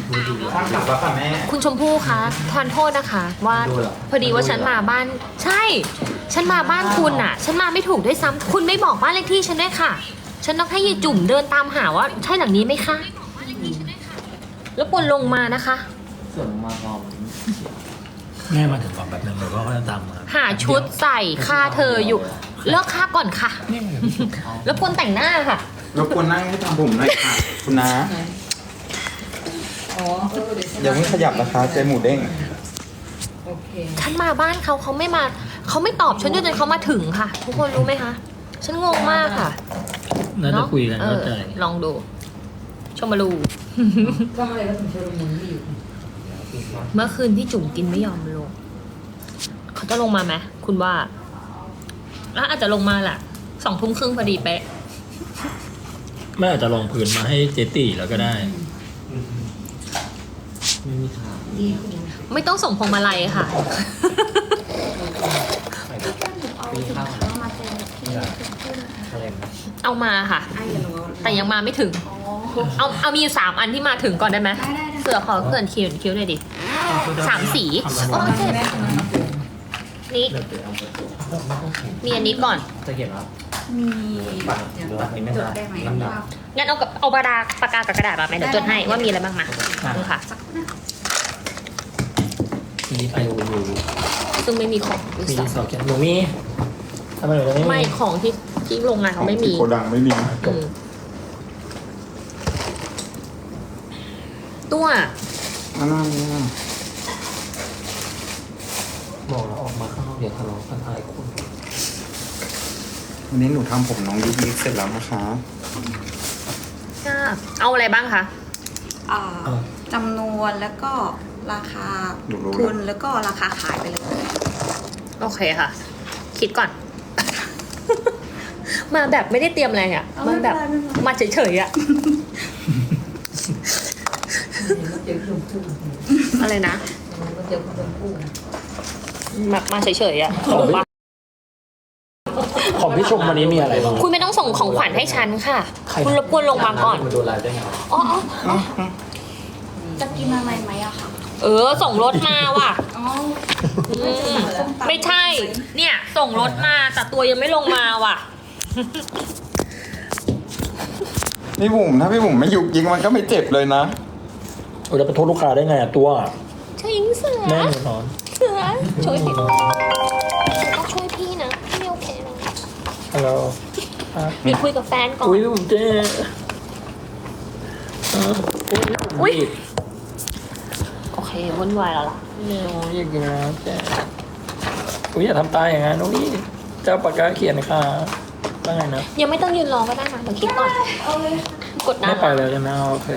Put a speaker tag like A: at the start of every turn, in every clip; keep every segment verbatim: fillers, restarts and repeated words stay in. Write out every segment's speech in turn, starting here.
A: ข้างหลังค่ะแม่
B: คุณชมพู่คะทานโทษนะคะว่าพอดีว่าฉันมาบ้านใช่ฉันมาบ้านคุณอ่ะฉันมาไม่ถูกด้วยซ้ำคุณไม่บอกบ้านเลขที่ฉันด้วยค่ะฉันต้องให้ยายจุ่มเดินตามหาว่าใช่หลังนี้ไหมคะแล้วควรลงมานะคะ
A: ส่วนมาพร้อม
C: แม่มาถึงก่อนแบบนึงเลยว่าเขาจะตามมา
B: หาชุดใส่ค่าเธออยู่เลิกค่าก่อนค่ะแล้วควรแต่งหน้าค่ะ
A: รบกวนนั่งให้ทำผมหน่อยค่ะคุณน้าอย่าเพิ่งขยับนะคะเจหมูเด้ง
B: ฉันมาบ้านเขาเขาไม่มาเขาไม่ตอบฉันจนเขามาถึงค่ะ ทุกคนรู้ไหมคะฉันงงมากค่ะ
C: น่าจะคุยกัน
B: เอ
C: เข้า
B: อ
C: ใจ
B: ลองดูชมมาลู
D: ก็อะไรก็ถึงเชอร์มุนอยู่
B: เมื่อคืนพี่จุ๋มกินไม่ยอมลงเขาจะลงมาไหมคุณว่าแล้วอาจจะลงมาแหละสองทุ่มครึ่งพอดีเป๊ะ
C: แม่อาจจะลองพื้นมาให้เจตีแล้วก็ได้
A: ไม่มีทาง
D: ดีคุณ
B: ไม่ต้องส่งพวงมาลัยค่ะ
A: มีข้าวอะไรนะ
B: เอามาค่ะ
D: ไอ้หนู
B: แต่ยังมาไม่ถึง เอาเอามีอยู่สามอันที่มาถึงก่อนได้ไหม
D: ได้ได้ได้
B: เสือขอเกินคิ้วคิ้วหน่อยดิสามสีโอเค
D: แม่คุณ
B: นี่
A: เดี๋ยวเดี๋ยวเอาไปตัว
B: มีอันนี้ก่อน
A: จะเก็บครับ
D: มี
A: บัตรหรือว่าไม่
D: จ
A: ได้
D: ดได้ไหม
A: น้ำหนัก
D: ว่า
B: งั้นเอากับเอาปากกาปากกากับกระดาษมาไหมเดี๋ยวจดให้ว่ามีอะไรบ้างมาดูค่ะ
D: สักนะ
C: มีไปอยู่อยู่
B: ซึ่งไม่มีของด้วย
C: มี
B: ซ้
C: สอบเขียนหนูมีทำไมหนูจะไม่
B: ำ
C: มี
B: ไม่ของที่ที่โรงงานเขาไม่มี
A: โกดังไม่มี
B: อืมตัว
A: อันนั้นเนี่ย
E: บอกแล้วออกมาข้างนอกเดี๋ยวทะเลาะกันอะไรคุณ
A: วันนี้หนูทำผมน้องยุกยิกเสร็จแล้วนะคะ
B: จ้าเอาอะไรบ้างคะ
D: อ่าจำนวนแล้วก็ราคา
A: หนูรู้
D: ทุ
A: แล้ว
D: นแล้วก็ราคาขายไปเลย
B: โอเคค่ะ คิดก่อน มาแบบไม่ได้เตรียมอะไรอ่ะมาแบบมาเฉยๆอ่ะ
D: เจอชมพู่
B: อะไรนะ
D: เจอชมพู่
B: มามาเฉยๆอ่ะ
C: ของพี่ของพี่ชมวันนี้มีอะไรบ้าง
B: คุณไม่ต้องส่งของขวัญให้ฉันค่ะ
C: ใคร
B: คุณรบกวนลงมาก่อน
E: มันดูไลฟ์ได้ไง
B: อ๋ออ๋อ
D: จะกินอะไรไหมอะคะ
B: เออ ส่งรถมาว่ะ
D: อ๋อ
B: อืมไม่ใช่ เนี่ย ส่งรถมาแต่ตัวยังไม่ลงมาว่ะ
A: พี่บุ๋มถ้าพี่บุ๋มไม่ยุกยิกมันก็ไม่เจ็บเลยนะ
C: โอ้ยแล้วไปโทษลูกค้าได้ไงอะตัว
B: ช่วยยิงเสือ
C: แม่หนูนอน
B: เสือช่วยพี่ต้องช่วยพี่นะพี่ไม่โอเคนะ
C: ฮัลโหลอ่ะ
B: พี่คุยกับแฟนก่อน
C: อุ้ยพี่ผมเจ๊อ่ะอุ้ย
B: อุ๊ย โอเควุ่นวายแล้วล่ะ
C: ไม่เอาอยากกินน้ำเจ๊อุ้ยอย่าทำตายอย่างนั้นอุ้ยเจ้าปากกาเขียนค่ะว่าไงนะ
B: ยังไม่ต้องยืนรอก็ได้นะเดี๋ยวคิดก่อน
D: เอาเลย
B: กด
C: ไม่
B: น้ำ
C: ไปเลยใช่ไหมโอเค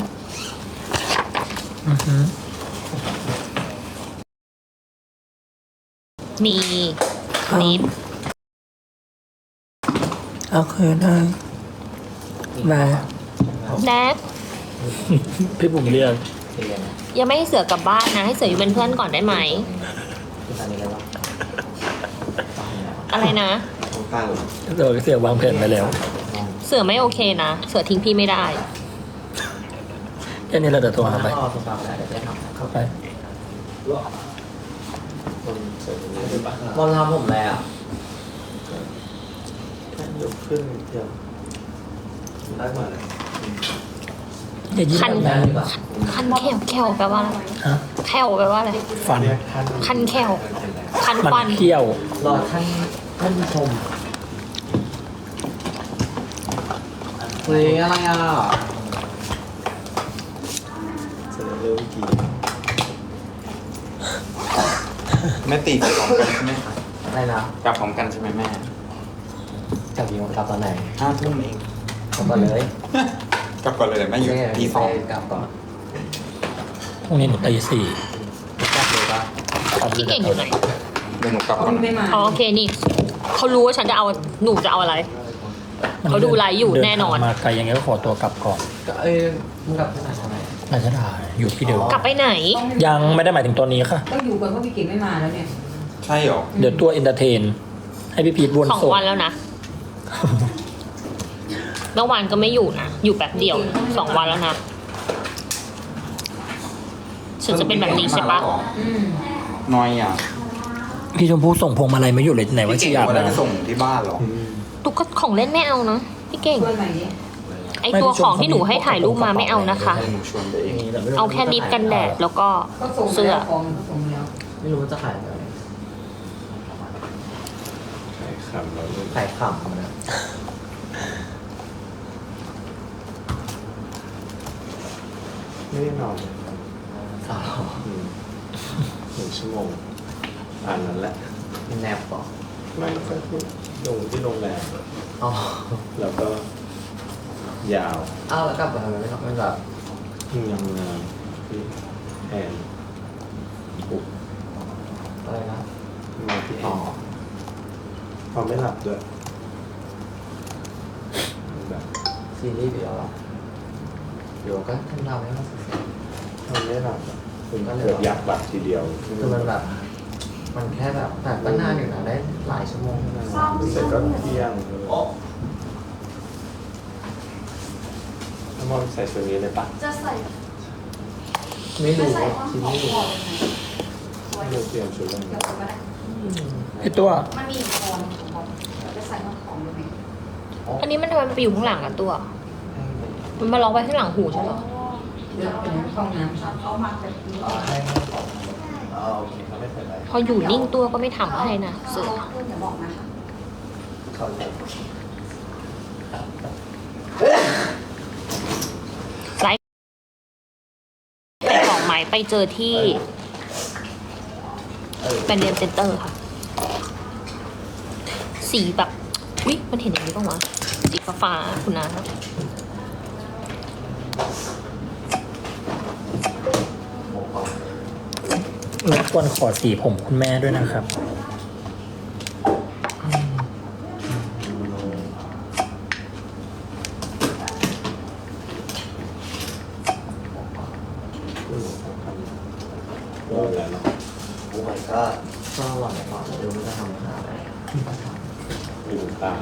C: อือหือ
B: มีนิด
C: โอเคได้ได้
B: แนท
C: พี่ผมเรียก
E: เรียน
B: ยังไม่ให้เสือกลับบ้านนะ ให้เสืออยู่เป็นเพื่อนก่อนได้ไหม
E: คืออันนี้อะไรวะ
B: อะไรนะ
A: ข้าง
C: เดี๋ยวเสียวางแผนไปแล้ว
B: เสือไม่โอเคนะ เสือทิ้งพี่ไม่ได้
C: แค่นี้เราจะโทรหาไป
E: เอาตัวเปล่าแล้วเดี๋ยวไปทำ
C: เข้าไป
E: บอลทำผมอะไรอ่ะ
A: ยกขึ้นเดียวได้มาเลย
C: อย่ายิ้ม
B: คัน
C: แบบนั้น
B: คันแขวแขวแปลว่าอะไร
C: ฮะ
B: แขวแปลว่าอะไร
C: ฟัน
B: คันแขวคัน
C: มัน
B: ฟัน
C: เขี้ยว
E: รอท่านท่านผู้ชมเฮ้ยอะไรอ่ะ
A: เสร็จแล้วเร็วอีกทีแม่ตีกลับพร้อมกันใช่ไหมคะ
E: อะไรนะ
A: กลับพร้อมกันใช่ไหมแม่
E: กลับยิงกลับตอนไหน
A: ห้าทุ่มเอง
E: กลับก่อนเลย
A: กลับก่อนเลยแม่อยู่ตีสอง
E: กลับก่อน
C: พรุ่งนี้หนูตีสี่
E: กลับเลยปะ
B: พี่เก่งอยู่ไหน
A: เดี๋ยวหนูกลับก่อน
D: ไม่มา
B: อ๋อโอเคนี่เขารู้ว่าฉันจะเอาหนูจะเอาอะไร เขาดูไลฟ์อยู่แน่นอน
C: เดิทางมาไกลยังไงก็ขอตัวกลับก่อน
E: ก็เอ้ยมึงกลับที่ไหนทำไม
C: ราชดาอยู่ที่เดิม
B: กลับไปไหน
C: ยังไม่ได้หมายถึงตอนนี้ค่ะ
D: ต้องอยู่ก่อนเพราะพี่เก่งไม่มาแล้วเนี่ย
A: ใช่เหรอ
C: เดี๋ยวตัวเอนเตอร์เทน ให้พี่พีทวน
B: สอง
C: ส่ง
B: วันแล้วนะ เมื่อวานก็ไม่อยู่นะ อยู่แป๊บเดียวสองวันแล้วนะฉันจะเป็นแบบนี้ใช่ปะ
A: น้อยอ่ะ
C: พี่ชมพู่ส่งพวงมาลัยมาอยู่เลยไหนว่า
A: พี่
C: จะ
A: เก่ง
C: อยาก
A: วัน
C: นะ
A: นั้นจะส่งที่บ้านเหรอ
B: ตุ๊กของเล่นไม่เอานะพี่เก่ง ไอตัวของที่หนูให้ถ่ายรูปมาไม่เอานะคะ
A: ให้หนูชวนไปเอง
B: เอาแค่ลิปกันแดดแล้วก็เสื้อ
E: ไม่รู้ว่าจะขายอะไร
F: ใช่ครับเราเริ่ม
E: ขายขำนะ
F: ไม่ได้นอนเลยครับ
E: อ้าว
F: อืมหนึ่งชั่วโมงอ่านนั้นแหละ
E: แนบต่อ
F: ไม่ค่อยพูดลงที่โรงแรม
E: อ๋อ
F: แล้วก็ยาว
E: อ้าวแล้วกลับมาทำไมไม่ทำไม่แบบ
F: ยิ่งทำงานที่แอนปุ๊บ
E: อะไรนะ
F: มาที่แอ
E: อ๋อน
F: พอไม่หลับด้วยแบบ
E: ซีรีส์เดียวเหรอเดี๋ยวก็ทำทำให้มันเสร็จ
F: พอไม่หลับอะคุณเกิดอยากหลับทีเดียว
E: คือมันแบบ มันแค่แบบแบบก็นานอยู่นะได้หลายชั่วโมง
F: เสร็จก็เที่ยงถ้ามองใส่ชุดนี้เลยปะ
D: จะใส่
E: ไม่รู้
D: ใส่
E: ว่า
D: ข้อ
E: ซี
D: ขอ
E: รีส์
D: ขอเลยไหม
F: ไม่รู้เตรียมชุดอะไร
D: เดี๋ยวก็ได้
C: ไอตัว
D: มันมีคอนของบอลจะใส่ข้อของเลยไหม
B: อันนี้มันทำไมมันไปอยู่ข้างหลังอะตัว มันมาล็อกไว้ข้างหลังหูใช่เหรอ
D: เดี๋ยวเป็นห้องน้ำฉันเอามาแบบนี้
E: อ๋อให้ให้ของอ๋อโอเค
F: เขาไม่เป็นไร
B: พออยู่นิ่งตัวก็ไม่ทำให้นะเสือ
D: เพื่อนจะบอกนะคะ
E: เขาเลย
B: ไลฟ์ไปของไหมไปเจอที่เป็นเรียนเซ็นเตอร์ค่ะ สีแบบอุ๊ยมันเห็นอย่างนี้ป่าวะสีฟ้าๆคุณนะ
C: รบกวนขอสีผมคุณแม่ด้วยนะครับ
F: คุณหนูทำทำรอแล้วเนาะ
E: โอ้ยก็ก็หวังก่อนดูว่าจะทำอาหารอะไร
F: ดูตา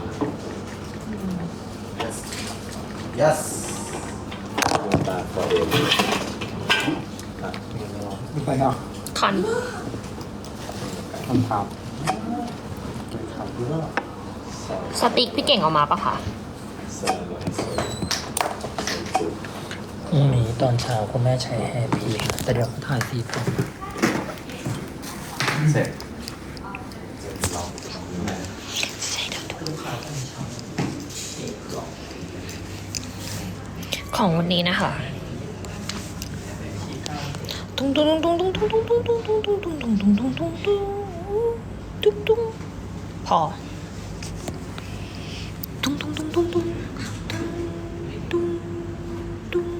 E: yes
F: ดูตาตัวเองครับ
A: ไม่ไปเนาะ
B: คัน
A: คำถามครับ
F: ซอย
B: สติ๊กพี่เก่งเอามาปะคะ
F: เสื้อลายสวยสุด
C: พรุ่งนี้ตอนเช้าคุณแม่ใช้แฮร์พีคแต่เดี๋ยวเขาถ่ายสีผม
E: เสร็จ
B: ของวันนี้นะคะตุ้งตุ้งตุ้งตุ้งตุ้งตุ้งตุ้งตุ้งตุ้งตุ้งตุ้งตุ้งตุ้งตุ้งตุ้งตุ้งตุ้งตุ้งพอตุ้งตุ้งตุ้งตุ้งตุ้งตุ้งตุ้ง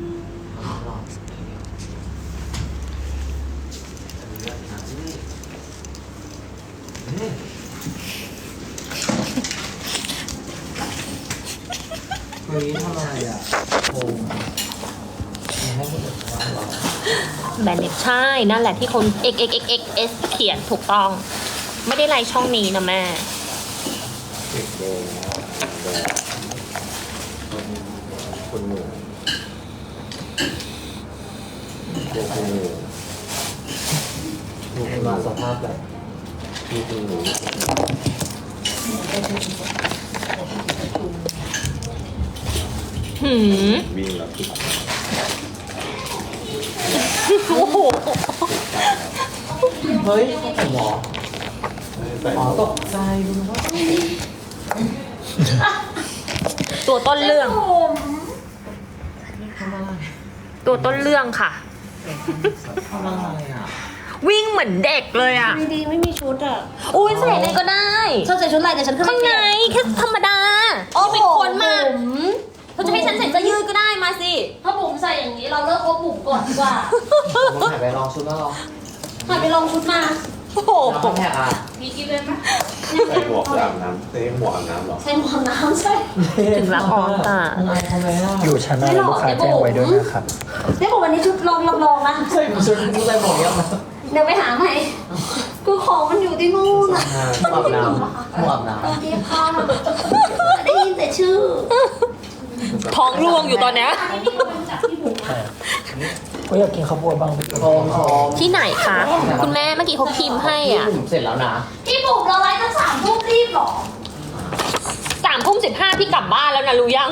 E: เฮ้ยทำอะไรอ่ะโอ้ให้คนอื่นว่าเรา
B: แบรนด์เน็ตใช่นั่นแหละที่คน x x x x s เขียนถูกต้อง ไม่ได้ไลน์ช่องนี้นะแม่
F: เด็กโดนแบบคนหนูพวกคนหนู
E: ดูเป็นมาสภาพแบบ
F: ที่คนหนู
B: หืม
F: วิ่งแล้วติด
B: โอ้โห
E: เฮ้ยใส่หมอ
F: ใส่
E: อ๋อตกใจดูว่า
B: ตัวต้นเรื่อง
E: ทำอะไร
B: ตัวต้นเรื่องค่ะ
E: ทำอะไรอ่ะ
B: วิ่งเหมือนเด็กเลยอ่ะ
D: ดีๆไม่มีชุดอ่ะ
B: อุ้ยใส่อะไรก็ได้
D: เธอใส่ชุดอะไรแต่ฉันขึ้น
B: ข้างในแค่ธรรมดาที่เป็นคนมาเธอจะให้ฉันใส่เสื้อยืดก็ได้มาสิ
D: ถ้าบุ๋มใส่อย่างนี้เราเลิกคบบุ๋มก่อนดีกว่า
E: ผมถ่ายไปลองชุดแล้วลอง
D: หันไปลองชุดมา
B: โอ้โห
E: แล้วก็แท็กอ่ะ
D: มีกินเลยไหม
F: ใส่หมวกอาบน้ำใส่หมวกอาบน้ำหรอ
D: ใส่หมวกน้ำใช่
B: ถึงรับออนตา
E: ทำไมทำไมอ่ะ
C: อยู่ชั้นอะไรลูกค้าแจ้งไว้ด้วยนะครับ
D: เดี๋ยวผมวันนี้ชุดลองลองลองนะ
E: ใส่ชุดใส่หมวกเยอะมาก
D: เดี๋ยวไปหาใหม่คือของมันอยู่ที่นู่นอ่ะ
E: หมวกอาบน้ำหมวกอาบน้
D: ตอนนี้ค่ะได้ยินแต่ชื่อ
B: ท้องร่วงอยู่ตอนเนี้ย
D: อันนี้มีคนรู้จักที่บุ๋ม
C: ใช่
D: อะ
C: ก็อยากกินข้าวโพดบ้างพี่
E: โฮมโฮม
B: ที่ไหนคะ คุณแม่เมื่อกี้เขาพิมพ์ให้อ่ะ
E: ผมเสร็จแล้วนะ
D: พี่บุ๋มเราไลฟ์ตั้งสามทุ่มรีบเหรอ
B: สามทุ่มสิบห้าพี่กลับบ้านแล้วนะรู้ยัง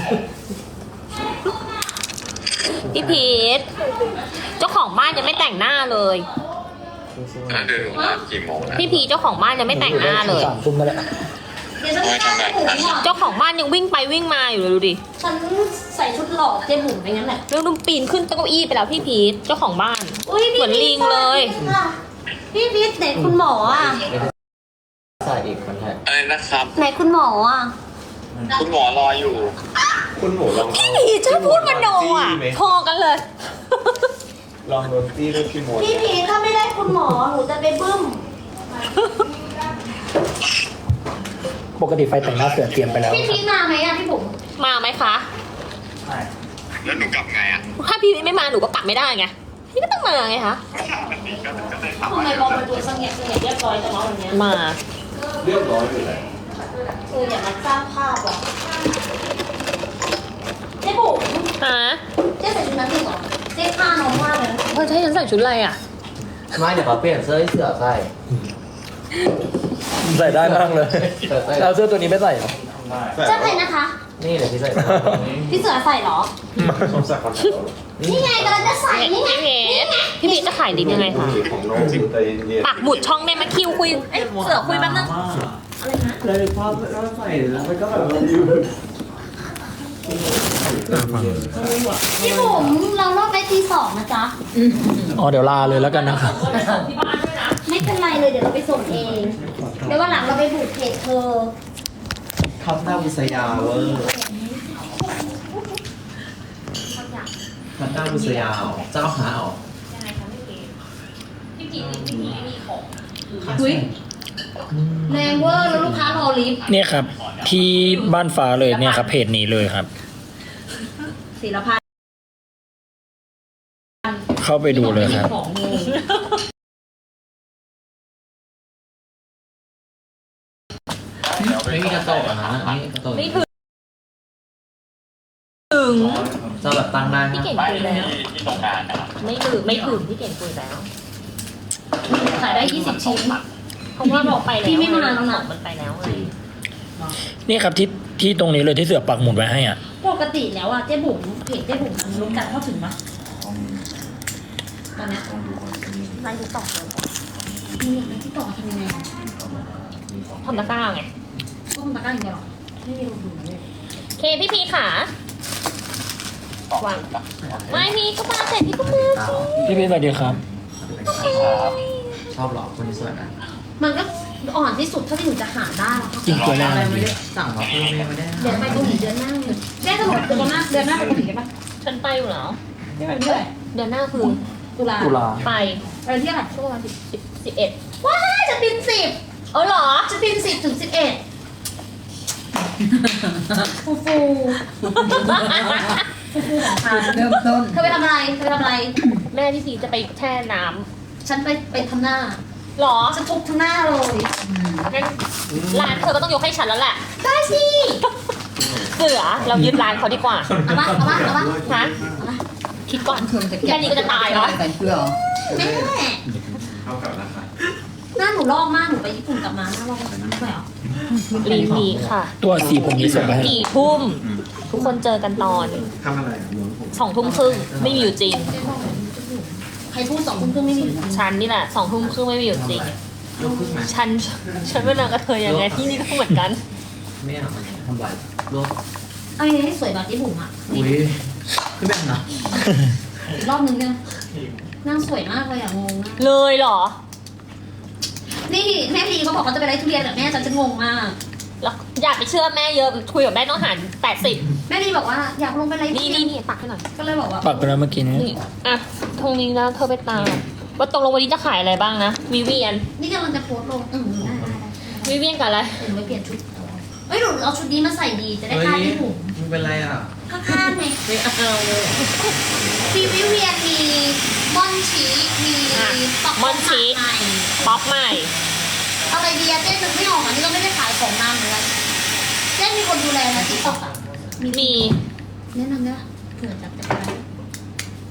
B: พี่พีทเจ้าของบ้านยังไม่แต่งหน้าเลย
A: เดินมากี่โมงนะ
B: พี่พีทเจ้าของบ้านยังไม่แต่งหน้าเลย
C: สามทุ่มนั่นแหละ
D: เดี๋ยวฉันไปทำบุ๋มอ่ะ
B: เจ้าของบ้านยังวิ่งไปวิ่งมาอยู่เลยดูดิ
D: ฉันใส่ชุดหล่อเจ๊บุ๋มไปงั้นแหละ
B: เรื่องนุ่มปีนขึ้นเก้าอี้ไปแล้วพี่พีทเจ้าของบ้าน
D: อุ้ยพี่
B: เหมือนลิงเลย
D: พี่พีทไหนคุณหมออ่ะ
E: ใส่อีกคนแทน
A: อะไรนะครับ
D: ไหนคุณหมออ่ะ
A: คุณหมอรออยู่
F: คุณหมูลองเอา
B: พี่พีทชอบพูดมโนอ่ะพอกันเลย
F: ลองโดนตี้ด้วยพี่มด
D: พี่พีทถ้าไม่ได้คุณหมอหนูจะไปบึ้ม
C: ปกติไฟแต่งหน้าเสือเตรียมไปแล้ว
D: พี่พีทมาไหมอ่ะพี่บุ๋ม
B: มาไหมคะ
A: แล้วหนูกลับไงอ่ะ
B: ถ้าพี่ไม่มาหนูก็กลับไม่ได้ไง พี่ก็ต้องมาไงคะ
D: ทำไมบอกมาดูสังเกตสังเกตเรียบร้อยจังวะวันเนี้ย
B: มา
F: เรียบร้อยอยู่แล้ว
D: เอออย่ามาสร้างภาพอ่ะเจ๊บุ๋ม
B: ฮะ
D: เจ๊ใส่ชุดนั้นจริงเหรอเจ๊ผ้าน้องมากเลยนะ
B: เออจะให้ฉันใส่ชุดอะไรอ่ะ
E: ไม่เดี๋ยวเขาเปลี่ยนเสื้อให้เสือใส่
C: ใส่ได้มากเลย
E: เสือใส่
C: เอาเสื้อตัวนี้ไม่ใส่เหรอ
D: เจ้าใครนะคะ
E: นี่เดี๋ยวพี่ใส่
D: พี่เสือใส่เหรอ
F: สมศักดิ์คนเดียว
D: นี่ไงกำลังจะใส่นี่ไง
B: พี่พีทพี่พีทจะขายดิบยังไงคะ
F: ของน้องจิ๋วใจเย็น
B: ปักหมุดช่องได้ไหมคิวคุยเอ้ยเสือคุยแป๊บนึง
D: อะไรนะ
F: เลยภาพแล้วใส่แล้วมันก็แบบอยู่
D: พี่บุ๋มเราเลิกไปทีสองนะจ๊ะ
C: อ๋อเดี๋ยวลาเลยแล้วกันนะครับ
D: ไม่เป็นไรเลยเดี๋ยวเราไปส่งเอง เดี๋ยววันหลังเราไปบุกเพจเธอ
E: ทับหน้าบุษยาเวอร์ทับหน้าบุษยาเจ้าหาออก
D: อุ้ยแรงเวอร์แล้วลูกค้ารอลิฟต์
C: เนี่ยครับ ที่บ้านฟ้าเลยเนี่ยครับเพจนี้เลยครับ
D: ศิลปะ
C: เข้าไปดูเลยครับ
D: ของเลย
E: ไม่มีกระโตกอ่ะนะนี่กระโตก
B: ไม่ถึงถึง
E: จะแบบตั้งได้
B: พี่
E: นะ
B: เก่งคุยแล้วไม่ถึงไม่ถึงพี่เก่งคุยแล้ว
D: ขายได้ยี่สิบชิ้น
B: เพราะว่าบอกไปแล้ว
D: พี่ไม่มาแล้วนะ
B: มันไปแล้วไง
C: นี่ครับที่ที่ตรงนี้เลยที่เสือปักหมุดไว้ให้อ่ะ
D: ปกติแล้วอ่ะเจ๊บุ๋มเพจเจ๊บุ๋มมันรู้กันเข้าถึงปะตอนเนี้ย
B: ไลน์ติ๊กต็อกเลย
D: มีอย่างไรที่ต่อทำยังไง
B: ทำตะกร้าไง
D: ก็คงตะกร้าอย่างเดียวหรอไม่มีลงทุนเลย
B: เคพี่พีขาวางไม่พี่ก็มาเสร็จพี่ก็มาสิ
C: พี่พี่สวัสดีครับ
E: ชอบหรอคนนี้สวยนะ
D: มันก็อ่อนที่สุดเท่าที่หนูจะหาได้แล้วค่ะ
C: กินตัวแรก
E: อะไร
C: เลย
E: ไม่ได้สั่งมาเพิ่มไม่ได้
D: เดี๋ยวไปเกาหลีเดือนหน้าเลยแม่จะหมดเดือนหน้าเดือนหน้าไปเกาหลีได้ปะ
B: ฉันไปอยู่แล้ว
D: ได้ไปเมื่อไหร่
B: เดือนหน้าคือ
D: ตุลา
C: ตุลา
B: ไป
D: ไปที่อะไรช่วงวันสิบ
B: สิบสิบเอ็ด
D: ว้ายจะบินสิบ
B: เออเหรอ
D: จะบินสิบถึงสิบเอ็ดฟูฟู
G: เริ่มต้น
D: เธอไปทำอะไรเธอไปทำอะไร
B: แม่พี่พีจะไปแช่น้
D: ฉันไปไปทำหน้า
B: ำหรอ
D: ฉันทุบทั้งหน้าเลย
B: งั้นร้านเธอก็ต้องยกให้ฉันแล้วแหละ
D: ได้สิ
B: เสือเรายึดร้านเขาดีกว่า
D: เอามาเอามาเอามา
B: ฮะคิดก่อน
G: เธอจะเก็บ
B: แค่นี้ก็จะตายแล้ว
G: ใส่เสื้อเหรอ
D: แม่
F: เท่ากับราคา
D: หน้าหนูลอกมากหนูไปญี่ปุ่นกลับมาหน้าลอกแบบนั้นไม่เหรอ
B: รีพีค่ะ
C: ตัวสีผมนี้ส่งไปให้
B: กี่ทุ่ม ทุกคนเจอกันตอน
F: ทำอะไรอ่ะหมุนผม
B: สองทุ่มครึ่งไม่มีอยู่จริง
D: ใครพูดสองทุ่มครึ่งไม่มี
B: ฉันนี่แหละสองทุ่มครึ่งไม่มีอยู่จริง
E: ยกขึ้นไหม
B: ฉันฉันเป็นนางกระเทยยังไงที่นี่ก็เหมือนกัน
E: ไม่เอาทำไรรวบ
D: เอาอย่างนี้สวยแบบญี่ปุ่นอ่ะ
E: อุ้ยขึ้นแบบนะ
D: อีกรอบนึงเนี่ยนางสวยมากเลยอ่ะงงมาก
B: เลยเหรอ
D: นี่แม่พีเขาบอกเขาจะไปไล่ทุเรียนแต่แม่ฉันจะงงมาก
B: แล้วอยากไปเชื่อแม่เยอะคุยกับแม่ต้องหารแปดสิบ
D: แม่พีบอกว่าอยากลงไปไล่ทุ
B: นี่
D: เรีย
B: นี่
D: น
B: นี่ปักให้หน่อย
D: ก็เลยบอกว่า
C: ปักไปแล้วเมื่อกี้นี้
B: นี่อ่ะตรงนี้นะเธอไปตามว่าตกลงวันนี้จะขายอะไรบ้างนะวิเวียน
D: นี่กำลังจะโพสต์ลงอืมได้ได้ได้
B: วิเวียนกับอะไร
D: เดี๋ยวหนูไปเปลี่ยนชุดเอ้ยหนูเอาชุดนี้มาใส่ดีจะได้
E: เฮ้ย
D: ค่าที่หนู
E: มึงเป็นไรอ่ะ
D: ข้างๆไง
E: ไม่เอาเลย
D: มีวิเวียนมีมอนชีมีป๊อก
B: มอนชี
D: ใหม่
B: ป๊อปใหม่
D: อะไรดีอะเจ๊นึกไม่ออกอันนี้ก็ไม่ได้ขายของนานเหมือนกันเจ๊มีคนดูแลนะติ๊กต็อกอะ
B: มี
D: แนะนำได้ปะเผื่อจะจะไป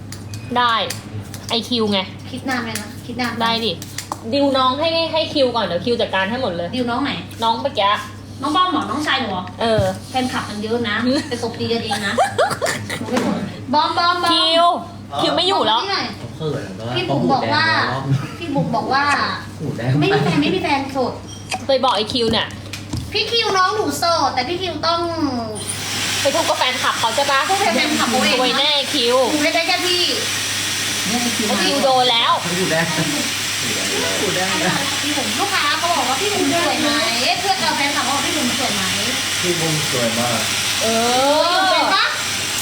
B: ได้ไอคิวไง
D: คิดนานเลยนะคิดนาน
B: ได้ดิดิวน้องให้ให้คิวก่อนเดี๋ยวคิวจัดการให้หมดเลย
D: ดิวน้องไหน
B: น้องเมื่อกี้
D: น้องบอมเหรอน้องชายหนูเหรอ
B: เออ
D: แฟนคลับมันเยอะนะไปตบตีกันเองนะหนูไม่สนบอมบอมบอม
B: คิวคิวไม่อยู่แล้ว
D: บมนี่หน่อย
E: เขาเขินแล้ว
D: พี่บุ๋มบอกว่า พี่บุ๋มบอกว่า
E: หูแดง
D: ไม่มีแฟนไม่มีแฟนโสด
B: ไปบอกไอคิวเนี่ย
D: พี่คิวน้องหนูโสดแต่พี่คิวต้อง
B: ไปทุบกับแฟนคลับเขาใช่ปะ
D: พวกแฟนคลับเขาเอง
B: รวยแน่คิว
D: หนูได้ได้แค่พี่
E: เนี่ยคิว
B: ไอคิวโดนแล้ว
E: เขาหูแดงหูแดง
D: พี่บุ๋มลูกค้าเขาบอกว่าพี่บุ๋มสวยไหมเพื่อนกับแฟนคลับเขาบอกพี่บุ๋มสวยไหม
F: พี่บุ้งสวยมาก
B: เอ
D: อยู่
B: อ
D: เป็นปะ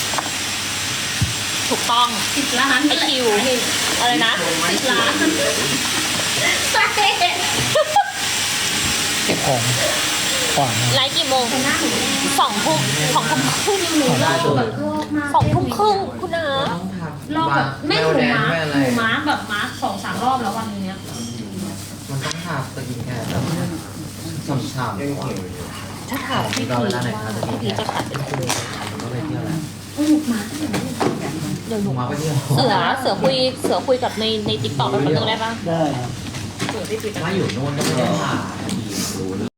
B: ถูกต้อง
D: สิบล้าน
B: ไอคิวอะไรนะ
D: สิบล้านสาเหตุ
C: เก็บของขวาง
B: ไลฟ์กี่โมง
D: แต่หน้าหนูแดง
B: สองทุ่มสองทุ่มครึ่ง
D: หนูรอบแบบรอบมาก
B: สองทุ่มครึ่งคุณนะ
E: ต้องทำ
D: รอบแบบไม่หนู
E: แดง
D: มาร์
E: ไม่
D: ค
E: อะไร
D: หนูมาร์คแบบมาร์คสองสามรอบแล้ววันนี้
E: มันต้องทาสกินแคร์แบบฉ่ำ
F: ยัง
E: ๆก่อน
F: หิวอยู่
B: ถ้าถามพี่
E: เรา
B: พี
E: เวลาไหนคะสกิ
B: พี่
E: นแค
B: พี
E: ร์
B: จะขายเป็นคู่
E: ก็ไปเที่ยวแล้ว
D: โอ้หนูมาร์ค
B: เดี๋ยวห
E: ห
B: นู
E: นูมาไปเที่ยว
B: เสือเสือคุยเสือคุยกับในในติ๊กต็อกแป๊บนึงได้ปะ
C: ได้ครับ
B: เสือพี่พี
E: ถ้าอยู่โน่นก็ไม่ได้ผ่ารู้เลย